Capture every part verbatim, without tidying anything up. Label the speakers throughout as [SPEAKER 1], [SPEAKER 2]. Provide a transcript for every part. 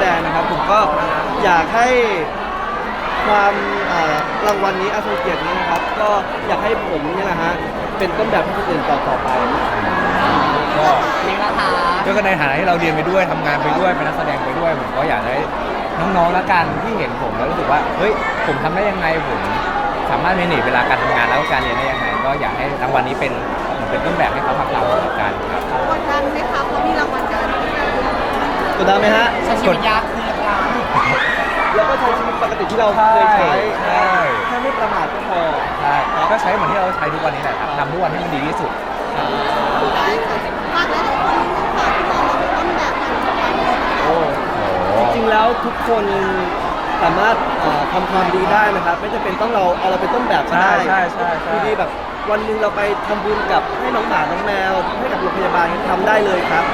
[SPEAKER 1] ดงนะครับผมก็อยากให้ความอ่ารางวัลนี้อาทรงเกียรตินี้นะครับก็อยากให้ผมเนี่ยนะฮะเป็นต้นแบบให้คนอื่นต่อต่อไป
[SPEAKER 2] ก็
[SPEAKER 3] นี่ละคะ
[SPEAKER 2] ก็ในฐานะที่เราเรียนไปด้วยทำงานไปด้วยเป็นนักแสดงไปด้วยผมก็อยากให้น้องๆละกันที่เห็นผมแล้วรู้สึกว่าเฮ้ยผมทำได้ยังไงผมสามารถเมเนจเวลาการทำงานแล้วก็การเรียนได้ยังไงก็อยากให้รางวัลนี้เป็นเหมือนเป็นต้นแบบให้เขาทำตามเหมือนกันครับ
[SPEAKER 4] กดดันไหมคะเพราะมีรางวัลการันตี
[SPEAKER 1] กดดันไหมฮะ
[SPEAKER 3] ใช้ชีวิตยากขึ้นหรือเปล่า
[SPEAKER 1] แล้วก็ใช้ชีวิตปกติที่เราเคยใช้
[SPEAKER 2] ใช่
[SPEAKER 1] แค่ไม่ประมาทก็พอ
[SPEAKER 2] ใช่ก็ใช้เหมือนที่เราใช้ทุกวันนี้แหละครับทำทุกวันให้มันดีที่สุด
[SPEAKER 4] ได้ค่ะฝากหลายๆคนนิดนึงค่ะที่มองเราเป็นต้นแบบการทำงาน
[SPEAKER 1] โอ้
[SPEAKER 2] โอ้
[SPEAKER 1] จริงๆแล้วทุกคนสามารถเอ่อทำความดีได้นะครับ ไม่จำเป็นต้องเราเอาเราเป็นต้นแบบก็
[SPEAKER 2] ใช่
[SPEAKER 1] ได้
[SPEAKER 2] ใช่ใช่ใช่
[SPEAKER 1] คือดีแบบวันหนึ่งเราไปทำบุญกับให้น้องหมาน้องแมวให้กับโรงพยาบาลทำได้เลยครับ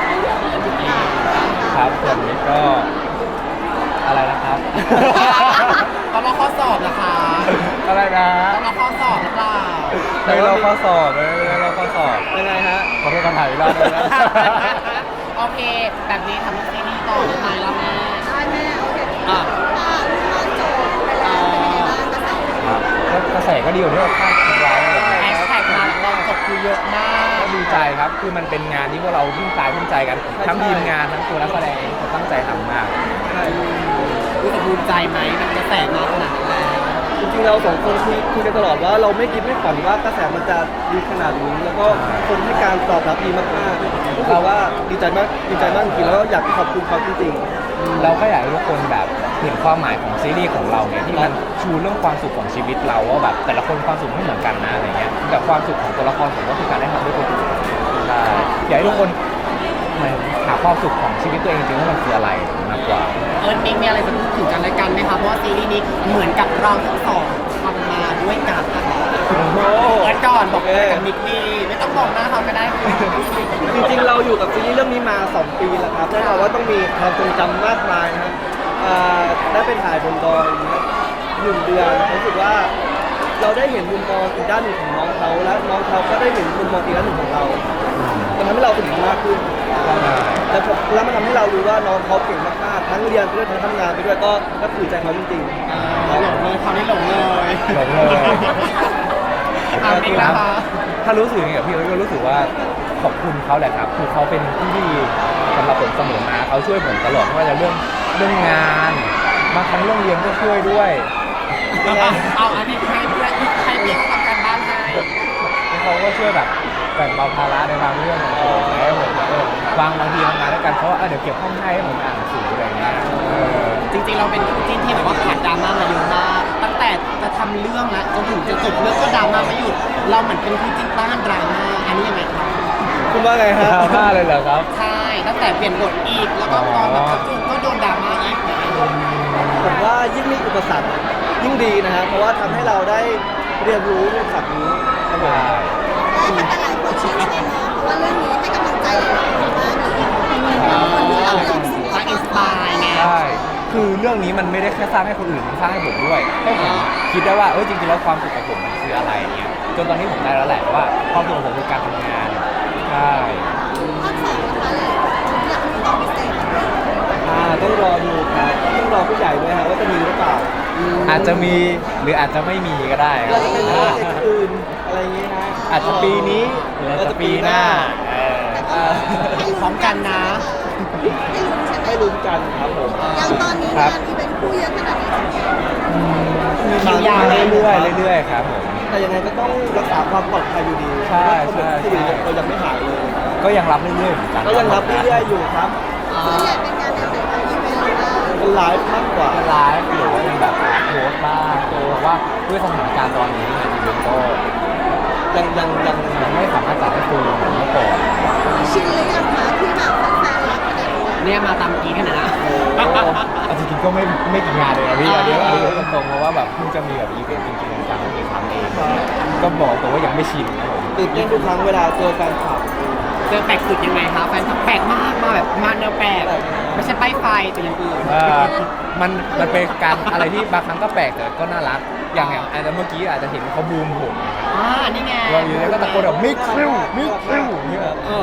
[SPEAKER 2] ครับส่วนนี้ก็อะไรนะครับ
[SPEAKER 3] ต้องรอข้อสอบนะคะ
[SPEAKER 2] อะไรนะ
[SPEAKER 3] ต้องรอข้อสอบหรือเปล่า
[SPEAKER 2] ไม่เราข้อสอบไม่เราข้อสอบ
[SPEAKER 1] ยังไงฮะ
[SPEAKER 2] ขอโทษคำถามอีกรอบนึงนะ
[SPEAKER 3] โอเค แบบนี้ทำซีรีส์ต่อได้ไหมล่ะแม่
[SPEAKER 4] ได้แม่โอเค
[SPEAKER 3] อ่ะ
[SPEAKER 4] ค่ะรุ่นน้องจบไปแล้วเป็นยังไงบ้างกระแส
[SPEAKER 2] ครับก็กระแสก็ดีกว่าที่เราคาดคิดไว้อะไรอย่าง
[SPEAKER 3] แฮ
[SPEAKER 2] เงี้ย
[SPEAKER 3] ชแท็กมาตอนจบคือเยอะมาก
[SPEAKER 2] ก็ดีใจครับ คือมันเป็นงานที่พวกเราทุ่มกายทุ่มใจกัน ทั้งทีมงานทั้งตัวนักแสดงเองเขาตั้งใจทำมาก
[SPEAKER 3] รู้สึกภูมิใจไหมมันกระแสมาขนาดนั้นแล้ว
[SPEAKER 1] จริงๆเราสองคนคุยคุยกันตลอดว่าเราไม่คิดไม่ฝันว่ากระแสมันจะดีขนาดนี้แล้วก็คนให้การตอบรับดีมากๆเราว่าดีใจมากดีใจมากจริงๆแล้วก็อยากขอบคุณเขาจริงๆ
[SPEAKER 2] เราก็อยากให้ทุกคนแบบเห็นความหมายของซีรีส์ของเราเนี่ยที่มันชูเรื่องความสุขของชีวิตเราว่าแบบแต่ละคนความสุขไม่เหมือนกันนะอะไรเงี้ยแต่ความสุขของตัวละครผมก็คือการได้ทำด้วยตัวเองใช่อยากให้ทุกคนเหมือนหาความสุขของชีวิตตัวเองจริงๆว่ามันคืออะไรมากกว่า
[SPEAKER 3] เอิร์ธมิกมีอะไรจะพูดถึงกันและกันไหมคะเพราะว่าซีรีส์นี้เหมือนกับเราทั้งสองทำมาด้วยกันนะคะ
[SPEAKER 1] โอ้โห
[SPEAKER 3] เอิร์ธก่อนบอกอะไรกับมิกดีไม่ต้องบอกหน้าเขาก็ได้ค่ะ
[SPEAKER 1] จริงๆเราอยู่กับซีรีส์เรื่องนี้มาสองปีแล้วครับแน่นอนว่าต้องมีความทรงจำมากมายนะครับอ่าได้ไปถ่ายบนดอยนะครับหนึ่งเดือนรู้สึกว่าเราได้เห็นมุมมองอีกด้านหนึ่งของน้องเขาและน้องเขาก็ได้เห็นมุมมองอีกด้านหนึ่งของเรามันทำให้เราสนิทมากขึ้นแล้วผมแล้วมันทำให้เรารู้ว่าน้องเขาเก่งมากๆทั้งเรียนไปด้วยทั้งทำงานไปด้วยก็ก็ถือใจเขาจริงๆ
[SPEAKER 3] อ่าหลงเลยเขาวนี้หลงเลย
[SPEAKER 2] หลงเลย
[SPEAKER 3] อ่ามิกนะคะ
[SPEAKER 2] ถ้ารู้สึกอย่างนี้กับพี่เอิร์ธก็รู้สึกว่าขอบคุณเขาแหละครับคือเขาเป็นที่ดีสำหรับผมเสมอมาเขาช่วยผมตลอดไม่ว่าจะเรื่องเรื่องงานบางครั้งเรื่องเรียนก็ช่วยด้วย
[SPEAKER 3] เอาอันนี้ให้เพื่อนให้พี่เขาทำการบ้านให้
[SPEAKER 2] เขาก็ช่วยแบบแบ่งเบาภาระในบางเรื่องของผมแล้วผมเออบางบางทีทำงานด้วยกันเขาว่าเออเดี๋ยวเก็บห้องให้ให้ผมอ่านหนังสืออะไรอย่างเงี้ยเออ
[SPEAKER 3] จริงๆเราเป็นคู่จิ้นที่แบบว่าผ่านดราม่ามาเยอะมากตั้งแต่จะทำเรื่องแล้วจนถึงจะจบเรื่องก็ดราม่าไม่หยุดเราเหมือนเป็นคู่จิ้นต้านดราม่าอันนี้ยังไงครับ
[SPEAKER 1] คุณว่าไงฮะ
[SPEAKER 2] ดราม่าเลยเหรอครับ
[SPEAKER 3] ใช่ตั้งแต่เปลี่ยนบทอีกแล้วก็ตอนแบบกระจุกก็โดนดราม่าอีก
[SPEAKER 1] ผมว่ายิ่งมีอุปสรรคยิ่งดีนะฮะเพราะว่าทำให้เราได้เรียนรู้ในศัพท์นี้ครับผม
[SPEAKER 4] ได้แต่หลายคนชื่นชมเนาะเพราะว่าเรื่องนี้ให้กำลังใจหลายๆคนมากเลยคนที่เราอยากสู้
[SPEAKER 3] สร้างอินสปายไง
[SPEAKER 2] ใช่ คือเรื่องนี้มันไม่ได้แค่สร้างให้คนอื่นมันสร้างให้ผมด้วย ให้ผมคิดได้ว่าเออจริงๆแล้วความสุขของผมมันคืออะไรเนี่ยจนตอนนี้ผมได้แล้วแหละว่าความสุขของผมคือการทำงาน ใช่
[SPEAKER 4] ภาคสองนะคะเลยอยากมีตอนพิเศษไหม
[SPEAKER 1] อ่าต้องรอดูครับต้องรอผู้ใหญ่ด้วยฮะว่าจะมีหรือเปล่า
[SPEAKER 2] อาจจะมีหรืออาจจะไม่มีก็ได้ค
[SPEAKER 1] อา
[SPEAKER 2] รั
[SPEAKER 1] จ
[SPEAKER 2] บ
[SPEAKER 1] จะเป็นโปรเจกต์อื่นอะไรอย่างเงี้ยฮะ
[SPEAKER 2] อาจจะปีนี้หรืออาจจะปีหน้าเออ
[SPEAKER 1] เอ่อ
[SPEAKER 3] พร้อมกันนะ
[SPEAKER 4] ให้ลุ้นใช่ไหม
[SPEAKER 1] ให้ลุ้นกันครับผม
[SPEAKER 4] อย่างตอนนี้งานอีเวนต์คู่เยอะขนาดนี้
[SPEAKER 1] มี
[SPEAKER 3] คิวยาว
[SPEAKER 2] เรื่อยๆเรื่อยๆครับผม
[SPEAKER 1] แต่ยังไงก็ต้องรักษาความปลอดภัยอยู่ดี
[SPEAKER 2] ใช่ใช่
[SPEAKER 1] ที่
[SPEAKER 2] ใช่
[SPEAKER 1] เรายังไม่หายเลย
[SPEAKER 2] ก็ยังรับเรื่อยๆเหมือนกัน
[SPEAKER 1] ก็ยังรับเรื่อยๆอยู่ครับ
[SPEAKER 4] ส่วนใหญ่เป็นงานแนวไหนคะอีเวนต์หรือว่า
[SPEAKER 1] เป็นไลฟ์มากกว่า
[SPEAKER 2] ไลฟ์หรือว่าเป็นแบบโพสต์บ้างเพราะว่าด้วยสถานการณ์ตอนนี้เนี่ยอีเวนต์ก็
[SPEAKER 1] ยังยังยัง
[SPEAKER 2] ยังไม่สามารถจัดให้ฟูลเหมือนเมื่อก่อน
[SPEAKER 4] ชินหรือยังคะที่แบบแฟนๆรักขนาดนี้
[SPEAKER 3] เนี่ยมาตามกีขนาดนะ
[SPEAKER 2] เอาจริงๆก็ไม่ไม่กี่งานเลยนะพี่อันนี้อันนี้ตรงๆเพราะว่าแบบเพิ่งจะมีแบบอีเวนต์จริงๆจังๆไม่กี่ครั้งเองก็บอกตัวว่ายังไม่ชินครับผม
[SPEAKER 1] ตื่นเต้นทุกครั้งเวลาเจอแฟนคลับ
[SPEAKER 3] เจอแปลกสุดยังไงคะแฟนคลับแปลกมากมาแบบมาแนวแปลกไม่ใช่ป้ายไฟแต่อย่างอื่น
[SPEAKER 2] เอ่อมันมันเป็นการอะไรที่บางครั้งก็แปลกแต่ก็น่ารักอย่างอย่างอาจจะเมื่อกี้อาจจะเห็นเขาบูมผม
[SPEAKER 3] อ่านี่ไง
[SPEAKER 2] เราอยู่แล้วก็ตะโกนแบบมิกซิลมิกซิลอย่างเงี้ย
[SPEAKER 3] เออ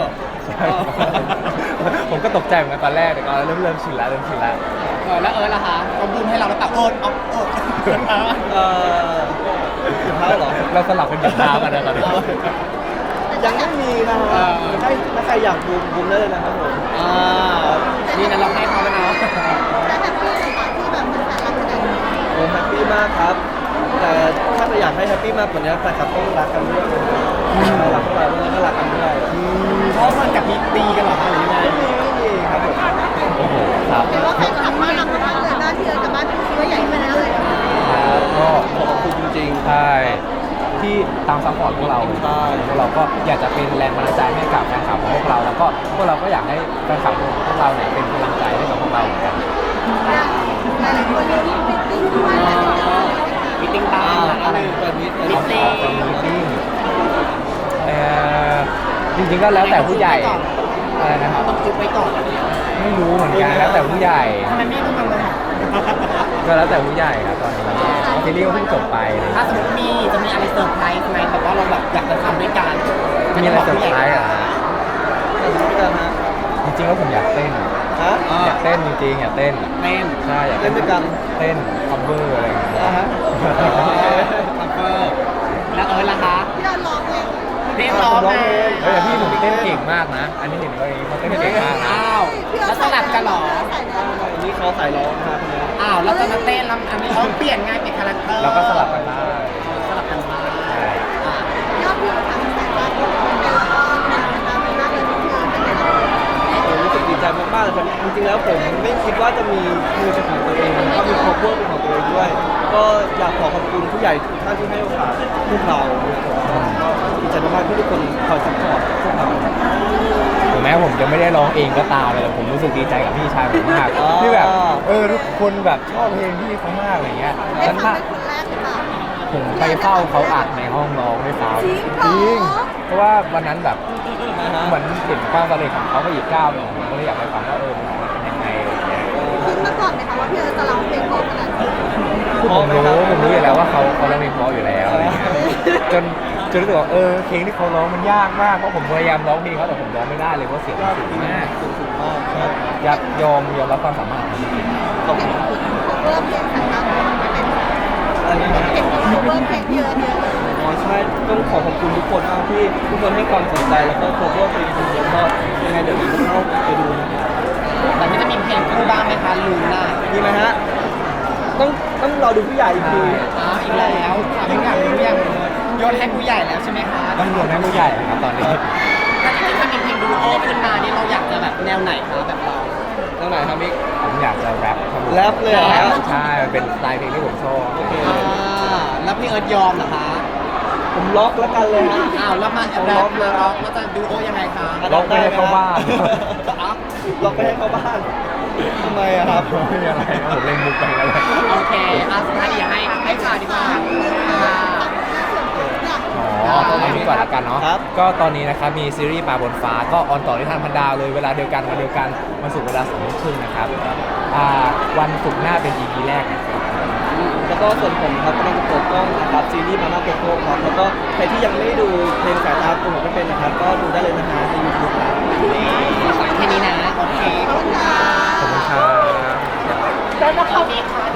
[SPEAKER 2] ผมก็ตกใจเหมือนกันตอนแรกแต่ก็เริ่มเริ่มชินแล้วเริ่มชินแล้ว
[SPEAKER 3] เออแล้วเออล่ะคะเขาบูมให้เราแล้วแต่โอดออกโอด
[SPEAKER 1] เอ่อสุดท้ายเหรอ
[SPEAKER 2] เราสลับกันเหยียบเท้ากันนะตอนนี้
[SPEAKER 1] ยังไม่มีนะค
[SPEAKER 3] เอ
[SPEAKER 1] รับ
[SPEAKER 3] อ
[SPEAKER 1] ถ้าถ้าใครอยากบูมบูมได้เลยนะครับผม
[SPEAKER 3] อ่านี่นะเราให้เขาแล้วเนาะ
[SPEAKER 4] แต่แฮปปี้กับการที่แบบมันแต่ละคน
[SPEAKER 1] ผมแฮปปี้มากครับ แต่ถ้าจะอยากให้แฮปปี้มากกว่านี้แฟนคลับต้องรักกันด้วยนะครับรักพวกเราด้วยก็รักกันด้วย
[SPEAKER 3] เพราะมันกับมีตีกันเหรอคะหรือยังไง
[SPEAKER 1] ไม่มีไม่มีครับผม
[SPEAKER 2] โอ้โหครับ
[SPEAKER 4] เห็นว่าแฟนคลับมากรักมากเลยบ้านที่เอิร์ธกับบ้านพี่คิดว่าใหญ่ขึ้นไปแล้วเลย
[SPEAKER 2] ครับก็
[SPEAKER 1] ขอบคุณจริงๆ
[SPEAKER 2] ใช่ที่ตามซัพพอร์ตพวกเรา
[SPEAKER 1] ใช่
[SPEAKER 2] พวกเราก็อยากจะเป็นแรงบันดาลใจให้กับแฟนคลับของพวกเรา แล้วก็พวกเราก็อยากให้แฟนคลับของพวกเราเนี่ยเป็นกำลังใจให้กับพวกเราเหมือนกัน
[SPEAKER 4] หลายๆคนมีมิตติ้งด้วยนะ
[SPEAKER 3] มีติ้งตา
[SPEAKER 1] อ่าม
[SPEAKER 3] อะ
[SPEAKER 1] อะไร
[SPEAKER 3] ไร
[SPEAKER 1] แบบนี้
[SPEAKER 3] มิ
[SPEAKER 2] เอา
[SPEAKER 3] ตติ้ง
[SPEAKER 2] เป็นมีติ้งเอ่อจริงๆก็แล้วแต่ผู้ใหญ่อะไรนะครับ
[SPEAKER 3] ต้องจุดไว้ก่อนอะไรอย่างเงี้ย
[SPEAKER 2] ไม่รู้เหมือนกันแล้วแต่ผู้ใหญ่
[SPEAKER 3] ทำไมไม่ทำเลย
[SPEAKER 2] ก็แล้วแต่ผู้ใหญ่ครับตอนนี้ซีรีส์ก็เพิ่งจบไปนะ
[SPEAKER 3] ถ้าสมมติมีจะมีอะไรเซอร์ไพรส์ไหมแบบว่าเราแบบอยากจะทำด้วยกัน
[SPEAKER 2] มีอะไรเซอร์ไพรส์เหรอฮะ
[SPEAKER 1] จะรู้กันฮะ
[SPEAKER 2] จริงๆแล้วผมอยากเต้น
[SPEAKER 1] ฮะ
[SPEAKER 2] อยากเต้นจริงๆอยากเต้น
[SPEAKER 3] เต้น
[SPEAKER 2] ใช่อยาก
[SPEAKER 1] เล่นด้วยกัน
[SPEAKER 2] เต้นคัฟเวอร์อะไรอย่างเงี้ย
[SPEAKER 1] นะฮะ
[SPEAKER 3] คัฟเวอร์แล้วเออล่ะคะ
[SPEAKER 4] ที่เราร้องเพลง
[SPEAKER 3] เรียกร้องไง
[SPEAKER 2] เฮ้ยแต่พี่ผมเต้นเก่งมากนะ อันนี้เห็นว่าอย่างนี้เขาเต้นเก่งมากนะ
[SPEAKER 3] อ้าวแล้วสลับกันเหรอ
[SPEAKER 1] อันนี้เขาใส่ร้องนะฮะคนนี้
[SPEAKER 3] อ้าวแล้วจะมาเต้นแล้วอันนี้เขาเปลี่ยนไงเปลี่ยนคาแรคเตอร์
[SPEAKER 2] เราก็สลับกันได้
[SPEAKER 3] สลับกันมา
[SPEAKER 2] ใช่
[SPEAKER 3] อ่ะ
[SPEAKER 4] ยอดวิวทางสายตาเป็นแล้วก็เป็นตามเป็นมากเลยที่คือเป็นยังไง
[SPEAKER 1] ผมรู้สึกดีใจมากๆเลยครับจริงๆแล้วผมไม่คิดว่าจะมีมือเป็นของตัวเองแล้วก็มีครอบครัวเป็นของตัวเองด้วย ก็อยากขอขอบคุณผู้ใหญ่ทุกท่านที่ให้โอกาสพวกเราก็ดีใจมากๆที่ทุกคนคอยซัพพอร์ตพวกเรา
[SPEAKER 2] ถึงแม้ผมจะไม่ได้ร้องเองก็ตามเลยแต่ผมรู้สึกดีใจกับพี่ชายผมมาก
[SPEAKER 1] อ๋อ
[SPEAKER 2] ที่แบบเออทุกคนแบบชอบเพลงพี่เขามากอะไรเงี้ย
[SPEAKER 4] ได้
[SPEAKER 2] ฉัน
[SPEAKER 4] ฟัง
[SPEAKER 2] น่ะ
[SPEAKER 4] เป็นคนแรกหรือเปล่า
[SPEAKER 2] ผมไปเฝ้าเขาอัดในห้องร้องด้วยซ้ำ
[SPEAKER 4] จริงเหรอ
[SPEAKER 2] จริงเพราะว่าวันนั้นแบบ
[SPEAKER 1] นะฮะ
[SPEAKER 2] เหมือนเห็นความสำเร็จของเขาไปอีกก้าวหนึ่งผมก็เลยอยากไปฟังว่าเออมันเป็นยังไงอะไรเงี้ย
[SPEAKER 4] คิดมาก่อนไหมคะว่าพี่เอิร์ธจะร้องเพลงเพราะขนาดนี้
[SPEAKER 2] คือผมรู้ผมรู้อยู่แล้วว่าเขาเขาร้องเพลงเพราะอยู่แล้วอะไรเงี้ยจนจนรู้สึกว่าเออเพลงที่เขาร้องมันยากมากเพราะผมพยายามร้องเพลงเขาแต่ผมร้องไม่ได้เลยเพราะเสียงมันสูงมาก
[SPEAKER 1] สูงสูงมากครับ
[SPEAKER 2] อยากยอมยอมรับความสามารถของจริง
[SPEAKER 1] ขอบคุณ
[SPEAKER 4] เห็นคุณ cover เพลงสายตาไม่เป็น
[SPEAKER 1] อันนี้นะ
[SPEAKER 4] เห็นคุณ cover เพลงพี่เอิร์ธเยอะเลย
[SPEAKER 1] อ๋อใช่ต้องขอขอบคุณทุกคนมากที่ทุกคนให้ความสนใจแล้วก็โคเวอร์เพลงของผมก็ยังไงเดี๋ยวผมจะเข้าไปดูนะครับ
[SPEAKER 3] แต่ไม่จะมีเพลงคู่บ้างไหมคะลุงน่ะ
[SPEAKER 1] มีไหมฮะต้องต้องรอดูผู้ใหญ่อีกที
[SPEAKER 3] อ้าวอีกแล้วถามอยากรู้ยังโยนให้ผู้ใหญ่แล้วใช่ไหมคะ
[SPEAKER 2] ๆต้องรวมให้ผู้ใหญ่นะครับตอนนี้
[SPEAKER 3] ถ้าจริงๆถ้ามีเพลงดูโอขึ้นมานี่เราอยากจะแบบแนวไหนคะแบบเรา
[SPEAKER 1] ตรงไหนครับมิก
[SPEAKER 2] ผมอยากจะแรปครับผม
[SPEAKER 1] แรปเลยเหรอครับ
[SPEAKER 2] ใช่มันเป็นสไตล์เพลงที่ผมชอบ
[SPEAKER 1] โอเค
[SPEAKER 3] อ่าแล้วพี่เอิร์ธยอมเหรอคะ
[SPEAKER 1] ผมล็อกแล้วกันเลยฮะ
[SPEAKER 3] อ้าวแล้วมาแรปมาร็อกแล้วจะดูโอยังไงคะ
[SPEAKER 2] ร้องไปให้เข้าบ้าน
[SPEAKER 3] อ๋อ
[SPEAKER 1] ล็อกไปให้เข้าบ้านทำไมอะครับ
[SPEAKER 2] ไม่มีอะไรนะผมเล่นมุกไปแล้วแหละ
[SPEAKER 3] โอเคอ่ะสุดท้ายเดี๋ยวให้ให้ข่าวดีกว่าอ่า
[SPEAKER 2] อ๋อเอานี้ก่อนละกันเนาะ
[SPEAKER 1] ครับ
[SPEAKER 2] ก็ตอนนี้นะครับมีซีรีส์ปลาบนฟ้าก็ออนต่อที่ทางพันดาวเลยเวลาเดียวกันวันเดียวกันวันศุกร์เวลาสองทุ่มครึ่งนะครับอ่าวันศุกร์หน้าเป็น อี พี แรกนะครับ
[SPEAKER 1] แล้วก็ส่วนผมครับกำลังจะเปิดกล้องนะครับซีรีส์มาม่าโกโก้ครับแล้วก็ใครที่ยังไม่ได้ดูเพลงสายตาโกหกไม่เป็นนะครับก็ดูได้เลยนะฮะในยูทูบครับ
[SPEAKER 3] แค่นี้นะ โอเค
[SPEAKER 4] ขอบคุณค่ะ
[SPEAKER 2] ขอบคุณครับ
[SPEAKER 4] แล้วก็
[SPEAKER 3] ขอบคุณค่ะ